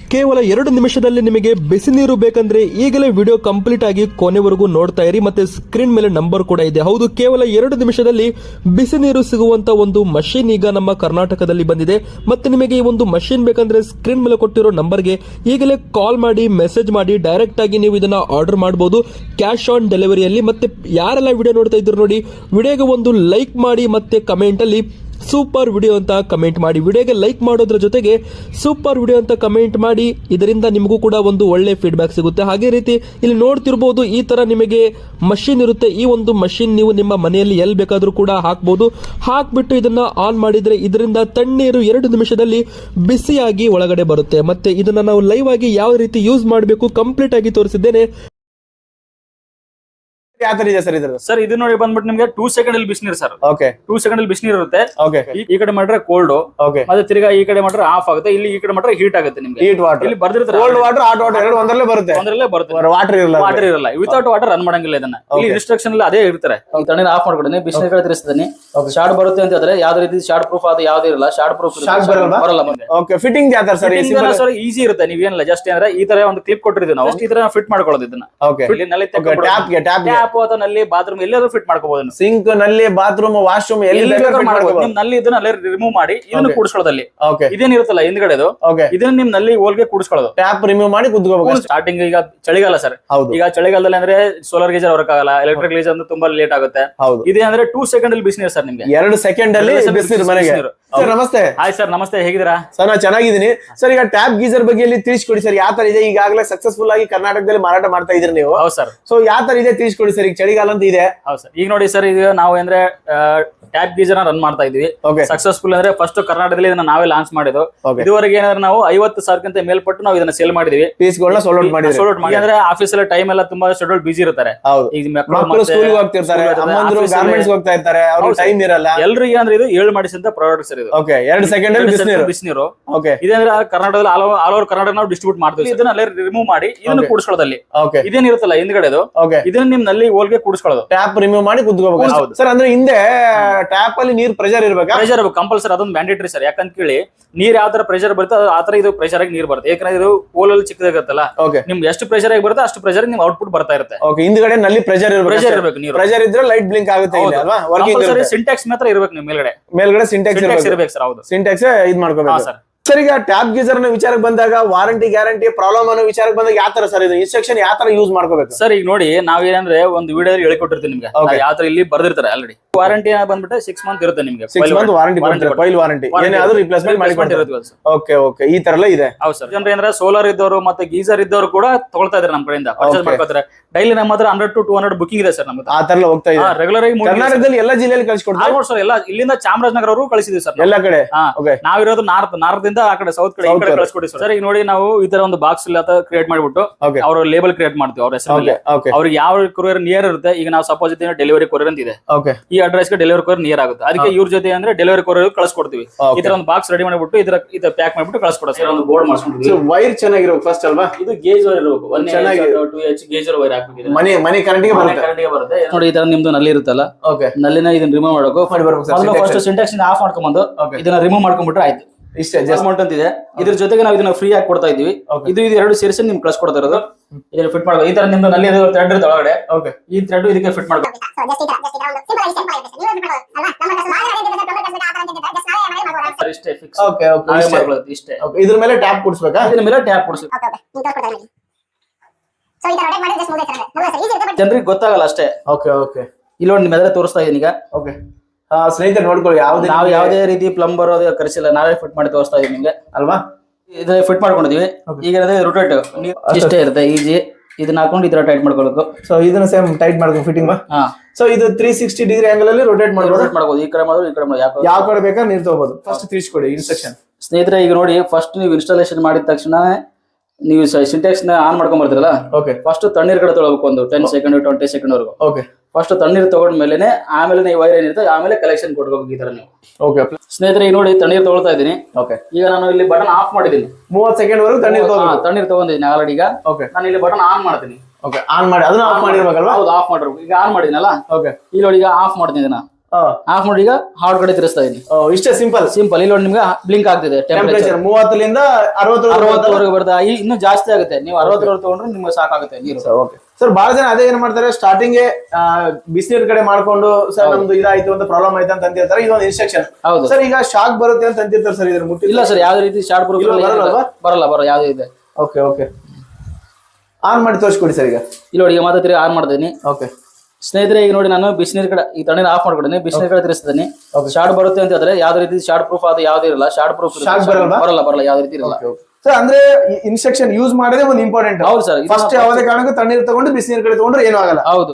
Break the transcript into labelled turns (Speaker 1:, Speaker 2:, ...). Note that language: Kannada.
Speaker 1: ಕೇವಲ 2 ನಿಮಿಷದಲ್ಲಿ ನಿಮಗೆ ಬಿಸಿ ನೀರು ಬೇಕಂದ್ರೆ ಈಗಲೇ ವಿಡಿಯೋ ಕಂಪ್ಲೀಟ್ ಆಗಿ ಕೊನೆವರೆಗೂ ನೋಡ್ತಾ ಇರಿ. ಮತ್ತೆ ಸ್ಕ್ರೀನ್ ಮೇಲೆ ನಂಬರ್ ಕೂಡ ಇದೆ. ಹೌದು, ಕೇವಲ 2 ನಿಮಿಷದಲ್ಲಿ ಬಿಸಿ ನೀರು ಸಿಗುವಂತ ಒಂದು ಮಷೀನ್ ಈಗ ನಮ್ಮ ಕರ್ನಾಟಕದಲ್ಲಿ ಬಂದಿದೆ. ಮತ್ತೆ ನಿಮಗೆ ಈ ಒಂದು ಮಷೀನ್ ಬೇಕಂದ್ರೆ ಸ್ಕ್ರೀನ್ ಮೇಲೆ ಕೊಟ್ಟಿರೋ ನಂಬರ್ಗೆ ಈಗಲೇ ಕಾಲ್ ಮಾಡಿ, ಮೆಸೇಜ್ ಮಾಡಿ, ಡೈರೆಕ್ಟ್ ಆಗಿ ನೀವು ಇದನ್ನ ಆರ್ಡರ್ ಮಾಡಬಹುದು ಕ್ಯಾಶ್ ಆನ್ ಡೆಲಿವರಿಯಲ್ಲಿ. ಮತ್ತೆ ಯಾರೆಲ್ಲ ವಿಡಿಯೋ ನೋಡ್ತಾ ಇದ್ರು ನೋಡಿ, ವಿಡಿಯೋಗೆ ಒಂದು ಲೈಕ್ ಮಾಡಿ ಮತ್ತೆ ಕಮೆಂಟ್ ಅಲ್ಲಿ ಸೂಪರ್ ವಿಡಿಯೋ ಅಂತ ಕಮೆಂಟ್ ಮಾಡಿ. ವಿಡಿಯೋಗೆ ಲೈಕ್ ಮಾಡೋದ್ರ ಜೊತೆಗೆ ಸೂಪರ್ ವಿಡಿಯೋ ಅಂತ ಕಮೆಂಟ್ ಮಾಡಿ. ಇದರಿಂದ ನಿಮಗೂ ಕೂಡ ಒಂದು ಒಳ್ಳೆ ಫೀಡ್ಬ್ಯಾಕ್ ಸಿಗುತ್ತೆ. ಹಾಗೆ ರೀತಿ ಇಲ್ಲಿ ನೋಡ್ತಿರ್ಬೋದು, ಈ ತರ ನಿಮಗೆ ಮಷೀನ್ ಇರುತ್ತೆ. ಈ ಒಂದು ಮಷೀನ್ ನೀವು ನಿಮ್ಮ ಮನೆಯಲ್ಲಿ ಎಲ್ಲಿ ಬೇಕಾದ್ರೂ ಕೂಡ ಹಾಕ್ಬೋದು. ಹಾಕ್ಬಿಟ್ಟು ಇದನ್ನ ಆನ್ ಮಾಡಿದ್ರೆ ಇದರಿಂದ ತಣ್ಣೀರು 2 ನಿಮಿಷದಲ್ಲಿ ಬಿಸಿಯಾಗಿ ಒಳಗಡೆ ಬರುತ್ತೆ. ಮತ್ತೆ ಇದನ್ನ ನಾವು ಲೈವ್ ಆಗಿ ಯಾವ ರೀತಿ ಯೂಸ್ ಮಾಡಬೇಕು ಕಂಪ್ಲೀಟ್ ಆಗಿ ತೋರಿಸಿದ್ದೇನೆ.
Speaker 2: ಯಾವ ತರ ಇದೆ ಸರ್ ಇದ್ರದ್ದು?
Speaker 3: ಸರ್ ಇದು ನೋಡಿ ಬಂದ್ಬಿಟ್ಟು ನಿಮ್ಗೆ 2 ಸೆಕೆಂಡ್ ಅಲ್ಲಿ ಬಿಸಿನೀರು ಸರ್.
Speaker 2: ಓಕೆ,
Speaker 3: 2 ಸೆಕೆಂಡ್ ಅಲ್ಲಿ ಬಿಸಿನೀರು ಇರುತ್ತೆ.
Speaker 2: ಓಕೆ,
Speaker 3: ಈ ಕಡೆ ಮಾಡ್ರೆ ಕೋಲ್ಡ್,
Speaker 2: ಓಕೆ,
Speaker 3: ಮತ್ತೆ ತಿರ್ಗಾ ಈ ಕಡೆ ಮಾಡ್ರೆ ಆಫ್ ಆಗುತ್ತೆ. ಇಲ್ಲಿ ಈ ಕಡೆ ಮಾಡ್ರೆ ಹೀಟ್ ಆಗುತ್ತೆ ನಿಮ್ಗೆ.
Speaker 2: ಹೀಟ್ ವಾಟರ್
Speaker 3: ಇಲ್ಲಿ ಬರ್ದಿರ್ತಾರೆ
Speaker 2: ಕೋಲ್ಡ್ ವಾಟರ್, ಹಾಟ್ ವಾಟರ್ ಎರಡು ಒಂದರಲ್ಲೇ ಬರುತ್ತೆ. ವಾಟರ್ ಇರಲ್ಲ,
Speaker 3: ವಾಟರ್ ಇರಲ್ಲ. ವಿತೌಟ್ ವಾಟರ್ ರನ್ ಮಾಡಂಗಿಲ್ಲ ಇದನ್ನ. ಇಲ್ಲಿ ರಿಸ್ಟ್ರಿಕ್ಷನ್ ಎಲ್ಲ ಅದೇ ಇರ್ತಾರೆ. ತಣ್ಣೀರು ಆಫ್ ಮಾಡ್ಕೊಡ್ತೀನಿ, ಬಿಸಿನೀರು ಕಡೆ ತಿರ್ಸ್ತೀನಿ. ಶಾರ್ಟ್ ಬರುತ್ತೆ ಅಂತ ಹೇಳಿದ್ರೆ ಯಾವ್ದೇ ರೀತಿ ಶಾರ್ಟ್ ಪ್ರೂಫ್ ಅದು ಯಾವ್ದು ಇರಲ್ಲ. ಶಾರ್ಟ್ ಪ್ರೂಫ್ ಬರಲ್ಲ ಮುಂದೆ.
Speaker 2: ಓಕೆ, ಫಿಟ್ಟಿಂಗ್ ಯಾವ ತರ ಸರ್?
Speaker 3: ಈಸಿ ಇರುತ್ತೆ. ನೀವೇನಿಲ್ಲ, ಜಸ್ಟ್ ಅಂದ್ರೆ ಈ ತರ ಒಂದು ಕ್ಲಿಪ್ ಕೊಟ್ಟಿರ್ತೀವಿ ನಾವು, ಈ ತರ ಫಿಟ್ ಮಾಡ್ಕೊಳ್ಳೋದು ಇದನ್ನ.
Speaker 2: ಓಕೆ,
Speaker 3: ಟ್ಯಾಪ್ ಅಥವಾ ನಲ್ಲಿ ಬಾತ್ರೂಮ್ ಎಲ್ಲಾದ್ರೂ ಫಿಟ್ ಮಾಡ್ಕೋಬಹುದು.
Speaker 2: ಸಿಂಕ್, ನಲ್ಲಿ, ಬಾತ್ರೂಮ್, ವಾಶ್ರೂಮ್ ಎಲ್ಲಿ
Speaker 3: ನಿಮ್ ನಲ್ಲಿ ಇದನ್ನ ಅಲ್ಲೇ ರಿಮೂವ್ ಮಾಡಿ ಇದನ್ನ ಕೂಡಿಸ್ಕೊಳ್ಳೋದಲ್ಲಿ ಇದೇನಿರುತ್ತಲ್ಲ ಹಿಂದ್ಗಡೆದು, ಇದನ್ನ ನಿಮ್ ನಲ್ಲಿ ಹೋಲ್ಗೆ ಕೂಡಿಸ್ಕೊಳ್ಳೋದು.
Speaker 2: ಟ್ಯಾಪ್ ರಿಮೂವ್ ಮಾಡಿ ಕುದ್ಕೋಬೇಕು.
Speaker 3: ಸ್ಟಾರ್ಟಿಂಗ್ ಈಗ ಚಳಿಗಾಲ ಸರ್, ಈಗ ಚಳಿಗಾಲದಲ್ಲಿ ಅಂದ್ರೆ ಸೋಲಾರ್ ಗೀಜರ್ ವರ್ಕ್ ಆಗಲ್ಲ, ಎಲೆಕ್ಟ್ರಿಕ್ ಗೀಜರ್ ಅಂದ್ರೆ ತುಂಬಾ ಲೇಟ್ ಆಗುತ್ತೆ. ಇದೇ ಅಂದ್ರೆ 2 ಸೆಕೆಂಡ್ ಅಲ್ಲಿ ಬಿಸಿನೀರು ಸರ್ ನಿಮ್ಗೆ.
Speaker 2: 2 ಸೆಕೆಂಡ್ ಅಲ್ಲಿ ಬಿಸಿನೀರು ಮನೆಗೆ. ಸರ್ ನಮಸ್ತೆ.
Speaker 3: ಹಾಯ್ ಸರ್, ನಮಸ್ತೆ, ಹೇಗಿದ್ದೀರಾ
Speaker 2: ಸರ್? ನಾನು ಚೆನ್ನಾಗಿದ್ದೀನಿ ಸರ್. ಈಗ ಟ್ಯಾಪ್ ಗೀಜರ್ ಬಗ್ಗೆ ತಿಳಿಸ್ಕೊಡಿ ಸರ್, ಯಾವ ತರ ಇದೆ? ಈಗಾಗಲೇ ಸಕ್ಸಸ್ಫುಲ್ ಆಗಿ ಕರ್ನಾಟಕದಲ್ಲಿ ಮಾರಾಟ ಮಾಡ್ತಾ ಇದ್ರಿ ನೀವು.
Speaker 3: ಹೌದು ಸರ್.
Speaker 2: ಸೊ ಯಾವ ತರ ಇದೆ ತಿಳಿಸ್ಕೊಡಿ ಸರ್. ಈಗ ಚಳಿಗಾಲ ಅಂತ ಇದೆ.
Speaker 3: ಹೌದು ಸರ್. ಈಗ ನೋಡಿ ಸರ್, ಈಗ ನಾವು ಅಂದ್ರೆ ಟ್ಯಾಪ್ ಗೀಜರ್ ರನ್ ಮಾಡ್ತಾ ಇದೀವಿ. ಸಕ್ಸಸ್ಫುಲ್ ಅಂದ್ರೆ ಫಸ್ಟ್ ಕರ್ನಾಟಕದಲ್ಲಿ ಇದನ್ನ ನಾವೇ ಲಾಂಚ್ ಮಾಡಿದ್ದು. ಇದುವರೆಗೆ ಏನಾದ್ರೆ ನಾವು 50,000ಕ್ಕಿಂತ ಮೇಲ್ಪಟ್ಟು ನಾವು ಇದನ್ನ ಸೇಲ್ ಮಾಡಿದೀವಿ.
Speaker 2: ಪೀಸ್ಗಳನ್ನ ಸೋಲ್ಡ್ ಔಟ್ ಮಾಡಿದ್ವಿ.
Speaker 3: ಅಂದ್ರೆ ಆಫೀಸ್ ಎಲ್ಲ ಟೈಮ್ ಎಲ್ಲ ತುಂಬಾ ಶೆಡ್ಯೂಲ್ ಬಿಸಿ ಇರ್ತಾರೆ.
Speaker 2: ಈಗ ಮಕ್ಕಳು ಸ್ಕೂಲ್ ಹೋಗ್ತಿರ್ತಾರೆ, ಅಮ್ಮಂದ್ರು ಗಾರ್ಮೆಂಟ್ಸ್ ಹೋಗ್ತಾ ಇರ್ತಾರೆ, ಅವ್ರಿಗೆ ಟೈಮ್ ಇರಲ್ಲ.
Speaker 3: ಎಲ್ರಿಗೆ ಅಂದ್ರೆ ಇದು 7 ಮಾಡಿಸಿದ ಪ್ರಾಡಕ್ಟ್ಸ್ ಇದು.
Speaker 2: ಓಕೆ, 2 ಸೆಕೆಂಡ್ ಅಲ್ಲಿ ಬಿಸಿನೀರು. ಓಕೆ, ಇದಂದ್ರೆ
Speaker 3: ಕರ್ನಾಟಕದಲ್ಲಿ ಆಲ್ ಓವರ್ ಕರ್ನಾಟಕ ನಾವು ಡಿಸ್ಟ್ರಿಬ್ಯೂಟ್ ಮಾಡ್ತೀವಿ. ಇದನ್ನ ಅಲ್ಲೇ ರಿಮೂವ್ ಮಾಡಿ ಇದನ್ನ ಕೂಡಿಸ್ಕೊಳ್ಳೋದಲ್ಲಿ ಇದೇನಿರುತ್ತಲ್ಲ ಹಿಂದ್ಗಡೆದು, ಇದನ್ನ ನಿಮ್ ನಲ್ಲಿ ಹೋಲ್ಗೆ ಕೂಡಿಸ್ಕೊಳ್ಳೋದು.
Speaker 2: ಟ್ಯಾಪ್ ರಿಮೂವ್ ಮಾಡಿ ಕುದ್ಕೋಬೇಕು ಸರ್. ಅಂದ್ರೆ ಹಿಂದೆ ಟ್ಯಾಪ್ ಅಲ್ಲಿ ನೀರ್ ಪ್ರೆಷರ್ ಇರ್ಬೇಕು.
Speaker 3: ಪ್ರೆಷರ್ ಇರಬೇಕು ಕಂಪಲ್ಸರಿ, ಅದೊಂದು ಮ್ಯಾಂಡೇಟರಿ ಸರ್. ಯಾಕಂತ ಕೇಳಿ, ನೀರ್ ಯಾವ ತರ ಪ್ರೆಷರ್ ಬರುತ್ತೆ ಆ ತರ ಇದು ಪ್ರೆಷರ್ ಆಗಿ ನೀರ್ ಬರುತ್ತೆ. ಯಾಕಂದ್ರೆ ಇದು ಹೋಲ್ ಅಲ್ಲಿ ಚಿಕ್ಕದಾಗತ್ತಲ್ಲ, ನಿಮ್ಗೆ ಎಷ್ಟು ಪ್ರೆಷರ್ ಆಗಿ ಬರುತ್ತೆ ಅಷ್ಟು ಪ್ರೆಷರ್ ನಿಮ್ ಔಟ್ಪುಟ್ ಬರ್ತಾ ಇರುತ್ತೆ.
Speaker 2: ಹಿಂದ್ಗಡೆ ನಲ್ಲಿ ಪ್ರೆಷರ್ ಇರಬೇಕು. ನೀರು ಪ್ರೆಷರ್ ಇದ್ರೆ ಲೈಟ್ ಬ್ಲಿಂಕ್ ಆಗುತ್ತೆ ಅಲ್ವಾ?
Speaker 3: ಸಿಂಟ್ಯಾಕ್ಸ್ ಮಾತ್ರ ಇರಬೇಕು ನಿಮ್
Speaker 2: ಮೇಲ್ಗಡೆ ಸಿಂಟ್ಯಾಕ್ಸ್
Speaker 3: ಇರಬೇಕು ಸರ್. ಹೌದು,
Speaker 2: ಸಿಂಟ್ಯಾಕ್ಸ್ ಇದ್ ಮಾಡ್ಕೋಬೇಕು ಸರ್. ಸರ್ ಈಗ ಟ್ಯಾಪ್ ಗೀಜರ್ ವಿಚಾರಕ್ಕೆ ಬಂದಾಗ ವಾರಂಟಿ ಗ್ಯಾರಂಟಿ ಪ್ರಾಬ್ಲಮ್ ಅನ್ನೋ ವಿಚಾರಕ್ಕೆ ಬಂದಾಗ ಯಾವ ತರ ಸರ್ ಇದು ಇನ್ಸ್ಟ್ರಕ್ಷನ್ ಯಾವ ತರ ಯೂಸ್ ಮಾಡ್ಕೋಬೇಕು
Speaker 3: ಸರ್? ಈಗ ನೋಡಿ, ನಾವೇನಂದ್ರೆ ಒಂದು ವಿಡಿಯೋದಲ್ಲಿ ಹೇಳಿಕೊಟ್ಟಿರ್ತೀವಿ ನಿಮ್ಗೆ, ಯಾವ ತರ ಇಲ್ಲಿ ಬರ್ದಿರ್ತಾರೆ ಆಲ್ರೆಡಿ. ವಾರಂಟಿ ಬಂದ್ಬಿಟ್ಟು 6 ಮಂತ್ ಇರುತ್ತೆ ನಿಮ್ಗೆ.
Speaker 2: 6 ಮಂತ್ ವಾರಂಟಿ ಕೊಯ್ಲ್ ವಾರಂಟಿ, ಏನಾದ್ರೂ ರಿಪ್ಲೇಸ್ಮೆಂಟ್ ಮಾಡಿಕೊಂಡಿರೋದು. ಓಕೆ ಓಕೆ, ಈ ತರ ಎಲ್ಲ ಇದೆ.
Speaker 3: ಹೌದು ಸರ್. ಜನರು ಏನಾದ್ರೆ ಸೋಲಾರ್ ಇದ್ದವರು ಮತ್ತೆ ಗೀಸರ್ ಇದ್ದವರು ಕೂಡ ತಗೊಳ್ತಾ ಇದ್ದಾರೆ ನಮ್ಮ ಕಡೆಯಿಂದ, ಪರ್ಚೇಸ್ ಮಾಡ್ಕೋತಾರೆ. ಡೈಲಿ ನಮ್ಮ ಹತ್ರ 100 to 200 ಬುಕಿಂಗ್ ಇದೆ ಸರ್ ನಮ್ದು.
Speaker 2: ಆ ತರ ಹೋಗ್ತಾ ಇದೆ
Speaker 3: ರೆಗ್ಯುಲರ್ ಆಗಿ.
Speaker 2: ಕರ್ನಾಟಕದಲ್ಲಿ ಎಲ್ಲ ಜಿಲ್ಲೆಯಲ್ಲಿ ಕಳಿಸ್ಕೊಡ್ತಾರೆ
Speaker 3: ಸರ್. ಎಲ್ಲ ಇಲ್ಲಿಂದ ಚಾಮರಾಜನಗರ ಅವರು ಕಳಿಸಿದ್ವಿ ಸರ್
Speaker 2: ಎಲ್ಲ ಕಡೆ.
Speaker 3: ನಾವಿರೋದು ನಾರ್ತ್ ಆ ಕಡೆ ಸೌತ್ ಕಡೆ ಕಳಿಸ್ಕೊಡಿ ಸರ್. ಈಗ ನೋಡಿ, ನಾವು ಈ ತರ ಒಂದು ಬಾಕ್ಸ್ ಕ್ರಿಯೇಟ್ ಮಾಡ್ಬಿಟ್ಟು ಅವ್ರ ಲೇಬಲ್ ಕ್ರಿಯೇಟ್ ಮಾಡ್ತೀವಿ ಅವ್ರ ಹೆಸರಲ್ಲಿ. ಅವ್ರಿಗೆ ಯಾವ ಕೊರಿಯರ್ ನಿಯರ್ ಇರುತ್ತೆ, ಈಗ ನಾವು ಸಪೋಸ್ ಡೆಲಿವರಿ ಕೊರಿಯರ್ ಅಂತ ಇದೆ, ಈ ಅಡ್ರೆಸ್ ಗೆ ಡೆಲಿವರಿ ಕೊರಿಯರ್ ನಿಯರ್ ಆಗುತ್ತೆ. ಅದಕ್ಕೆ ಇವ್ರ ಜೊತೆ ಅಂದ್ರೆ ಡೆಲಿವರಿ ಕೊರಿಯರ್ ಕಳಿಸ್ಕೊಡ್ತೀವಿ. ಈ ತರ ಒಂದು ಬಾಕ್ಸ್ ರೆಡಿ ಮಾಡ್ಬಿಟ್ಟು ಇದರ ಪ್ಯಾಕ್ ಮಾಡ್ಬಿಟ್ಟು ಕಳಿಸ್ಕೊಡ ಸರ್. ಒಂದು ಬೋರ್ಡ್ ಮಾಡ್ಸ್ಕೊಂಡಿದ್ದೀವಿ.
Speaker 2: ವೈರ್ ಚೆನ್ನಾಗಿರ್ಬೇಕು ಫಸ್ಟ್ ಅಲ್ವಾ?
Speaker 3: ಇದು ಗೇಜ್ ವೈರ್ ಇರಬೇಕು. 2H ಗೇಜ್ ವೈರ್ ಹಾಕ್ಬೇಕು.
Speaker 2: ಮನೆ ಕರೆಂಟ್
Speaker 3: ಬರುತ್ತೆ ನೋಡಿ. ಈ ತರ ನಿಮ್ದು ನಲ್ಲಿ ಇರುತ್ತಲ್ಲ, ನಲ್ಲಿನ ಇದನ್ನ ರಿಮೂವ್ ಮಾಡಬೇಕು. ಫಸ್ಟ್ ಸಿಂಟ್ಯಾಕ್ಸ್ ಆಫ್ ಮಾಡ್ಕೊಂಡ್ಬಂದು ಇದನ್ನ ರಿಮೂವ್ ಮಾಡ್ಕೊಂಡ್ಬಿಟ್ರೆ ಆಯ್ತು. ಇಷ್ಟೇ ಅಮೌಂಟ್ ಅಂತ ಇದೆ. ಇದ್ರ ಜೊತೆಗೆ ನಾವು ಇದನ್ನ ಫ್ರೀ ಆಗಿ ಕೊಡ್ತಾ ಇದೀವಿ. ಇದು 2 ಸೇರಿಸಿ ನಿಮ್ಗೆ ಕಳ್ಸಿಕೊಡ್ತಾ ಇರೋದು. ಇದನ್ನ ಫಿಟ್ ಮಾಡ್ಬೇಕು. ಈ ತರ ನಿಮ್ದು ನಲ್ಲಿ ಥ್ರೆಡ್ ಇರುತ್ತೆ ಒಳಗಡೆ, ಈ ಥ್ರೆಡ್ ಇದಕ್ಕೆ ಫಿಟ್ ಮಾಡ್ಬೇಕು. ಇಷ್ಟೇ ಫಿಕ್ಸ್. ಇಷ್ಟೇ.
Speaker 2: ಇದ್ರ ಮೇಲೆ ಟ್ಯಾಪ್ ಕೊಡ್ಸ್ಬೇಕಾ?
Speaker 3: ಇದ್ರ ಮೇಲೆ ಟ್ಯಾಪ್ ಕೊಡ್ಸ್ಬೇಕು. ಜನರಿಗೆ ಗೊತ್ತಾಗಲ್ಲ ಅಷ್ಟೇ.
Speaker 2: ಓಕೆ ಓಕೆ,
Speaker 3: ಇಲ್ಲಿ ನೋಡಿ ನಿಮ್ಮ ಎದುರು ತೋರಿಸ್ತಾ ಇದೀನಿ ಈಗ.
Speaker 2: ಓಕೆ, ಸ್ನೇಹಿತರೆ ನೋಡ್ಕೊಳ್ಳಿ,
Speaker 3: ನಾವು ಯಾವುದೇ ರೀತಿ ಪ್ಲಂಬರ್ ಅದು ಕರೆಸಿಲ್ಲ, ನಾವೇ ಫಿಟ್ ಮಾಡಿ ತೋರಿಸ್ತಾ ಇದೀವಿ ನಿಮ್ಗೆ
Speaker 2: ಅಲ್ವಾ?
Speaker 3: ಇದು ಫಿಟ್ ಮಾಡ್ಕೊಂಡಿದೀವಿ. ಈಗ ರೊಟೇಟ್ ಇಷ್ಟೇ ಇರುತ್ತೆ, ಈಜಿ. ಇದನ್ನ ಹಾಕೊಂಡು ಈ ತರ ಟೈಟ್ ಮಾಡ್ಕೊಳ್ಬೇಕು.
Speaker 2: ಸೊ ಇದನ್ನ ಸೇಮ್ ಟೈಟ್ ಮಾಡ್ಕೊಂಡು ಫಿಟ್ಟಿಂಗ್. ಸೊ ಇದು 360 ಡಿಗ್ರಿ ಆಂಗಲ್ ಅಲ್ಲಿ ರೊಟೇಟ್
Speaker 3: ಮಾಡ್ಬೋದು. ಈ ಕಡೆ ಮಾಡೋದು, ಈ ಕಡೆ ಮಾಡೋದು,
Speaker 2: ಯಾವ ಕಡೆ ಬೇಕಾದ್ರೆ ನೀರು ತಗೋಬಹುದು. ಫಸ್ಟ್ ತಿಳಿಸ್ಕೊಡಿ ಇನ್ಸ್ಟ್ರಕ್ಷನ್.
Speaker 3: ಸ್ನೇಹಿತರೆ, ಈಗ ನೋಡಿ, ಫಸ್ಟ್ ನೀವು ಇನ್ಸ್ಟಾಲೇಷನ್ ಮಾಡಿದ ತಕ್ಷಣ ನೀವು ಸಿಂಟ್ಯಾಕ್ಸ್ ನ ಆನ್ ಮಾಡ್ಕೊಂಡ್ ಬರ್ತೀರಲ್ಲ, ಫಸ್ಟ್ ತಣ್ಣೀರ್ ಕಡೆ ತೊಗೊಳ್ಬೇಕು. ಒಂದು 10 ಸೆಕೆಂಡ್ 20 ಸೆಕೆಂಡ್ ವರೆಗೂ. ಫಸ್ಟ್ ತಣ್ಣೀರ್ ತಗೊಂಡ್ಮೇಲೆ ಆಮೇಲೆ ನೀವು ವೈರ್ ಏನಿರುತ್ತೆ ಆಮೇಲೆ ಕಲೆಕ್ಷನ್ ಕೊಡ್ಬೇಕು. ಈ ತರ ನೀವು ಸ್ನೇಹಿತರೆ, ಈಗ ನೋಡಿ ತಣ್ಣೀರ್ ತಗೊಳ್ತಾ ಇದೀನಿ. ಈಗ ನಾನು ಇಲ್ಲಿ ಬಟನ್ ಆಫ್ ಮಾಡಿದೀನಿ.
Speaker 2: 30 ಸೆಕೆಂಡ್ ವರೆಗೂ
Speaker 3: ತಣ್ಣೀರ್ ತಗೊಂಡಿದ್ದೀನಿ ಆಲ್ರೆಡಿ. ಈಗ ನಾನು ಇಲ್ಲಿ ಬಟನ್ ಆನ್ ಮಾಡ್ತೀನಿ.
Speaker 2: ಆನ್ ಮಾಡಿ ಅದನ್ನ ಆಫ್ ಮಾಡಿರ್ಬೇಕಲ್ವಾ?
Speaker 3: ಹೌದು, ಆಫ್ ಮಾಡಿರ್ಬೇಕು. ಈಗ ಆನ್ ಮಾಡಿದ್ನಲ್ಲ, ಇಲ್ಲಿ ನೋಡಿ ಈಗ ಆಫ್ ಮಾಡ್ತೀನಿ. ಆಫ್ ಮಾಡಿ ಈಗ ಹಾರ್ಡ್ ಕಡೆ ತಿರ್ಸ್ತಾ ಇದೀನಿ.
Speaker 2: ಇಷ್ಟೇ ಸಿಂಪಲ್
Speaker 3: ಸಿಂಪಲ್. ಇಲ್ಲಿ ನೋಡಿ ನಿಮ್ಗೆ ಬ್ಲಿಂಕ್ ಆಗ್ತಿದೆ
Speaker 2: ಟೆಂಪರೇಚರ್ 30ರಿಂದ
Speaker 3: 60ವರೆಗೆ ಬರ್ತದೆ. ಇನ್ನೂ ಜಾಸ್ತಿ ಆಗುತ್ತೆ. ನೀವು 60 ತಗೊಂಡ್ರೆ ನಿಮ್ಗೆ ಸಾಕಾಗುತ್ತೆ ನೀರು.
Speaker 2: ಓಕೆ ಸರ್, ಬಹಳ ಜನ ಅದೇ ಏನ್ ಮಾಡ್ತಾರೆ, ಸ್ಟಾರ್ಟಿಂಗ್ ಬಿಸಿನೀರ್ ಕಡೆ ಮಾಡ್ಕೊಂಡು ಸರ್ ನಮ್ದು ಇದಾಯ್ತು ಅಂತ ಪ್ರಾಬ್ಲಮ್ ಆಯ್ತು ಅಂತ ಅಂತಿರ್ತಾರೆ. ಇದೊಂದು ಇನ್ಸ್ಟ್ರಕ್ಷನ್.
Speaker 3: ಹೌದು
Speaker 2: ಸರ್, ಈಗ ಶಾಕ್ ಬರುತ್ತೆ ಅಂತ ಅಂತಿರ್ತಾರೆ ಸರ್, ಇದ್ರ ಮುಟ್ಟಿ
Speaker 3: ಇಲ್ಲ ಸರ್, ಯಾವ್ದೇ ರೀತಿ ಶಾರ್ಟ್ ಪ್ರೂಫ್ ಬರಲ್ಲ ಯಾವ್ದು ಇದೆ.
Speaker 2: ಓಕೆ ಓಕೆ, ಆನ್ ಮಾಡಿ ತೋರಿಸ್ಕೊಡಿ ಸರ್. ಈಗ
Speaker 3: ಇಲ್ಲಿ ನೋಡಿ, ಈಗ ಮತ್ತೆ ತಿರುಗಿ ಆನ್ ಮಾಡ್ತೀನಿ.
Speaker 2: ಓಕೆ
Speaker 3: ಸ್ನೇಹಿತರೆ, ಈಗ ನೋಡಿ ನಾನು ಬಿಸಿನೀರ್ ಕಡೆ ಈ ತಣ್ಣೀರ್ ಆಫ್ ಮಾಡ್ಕೊಡ್ತೀನಿ, ಬಿಸಿನೀರ್ ಕಡೆ ತಿರ್ಸ್ತೀನಿ. ಶಾರ್ಟ್ ಬರುತ್ತೆ ಅಂತ ಹೇಳಿದ್ರೆ ಯಾವ್ದೇ ರೀತಿ ಶಾರ್ಟ್ ಪ್ರೂಫ್ ಅದು ಯಾವ್ದು ಇರಲ್ಲ. ಶಾರ್ಟ್ ಪ್ರೂಫ್ ಬರಲ್ಲ ಯಾವ್ದೇ ರೀತಿ ಇರಲ್ಲ.
Speaker 2: ಸರ್, ಅಂದ್ರೆ ಇನ್ಸ್ಟ್ರಕ್ಷನ್ ಯೂಸ್ ಮಾಡೋದೇ ಒಂದು ಇಂಪಾರ್ಟೆಂಟ್.
Speaker 3: ಹೌದು ಸರ್.
Speaker 2: ಫಸ್ಟ್ ಯಾವುದೇ ಕಾರಣಕ್ಕೂ ತಣ್ಣೀರ್ ತಗೊಂಡು ಬಿಸಿನೀರ್ ಕಡೆ ತಗೊಂಡ್ರೆ ಏನೂ ಆಗಲ್ಲ.
Speaker 3: ಹೌದು.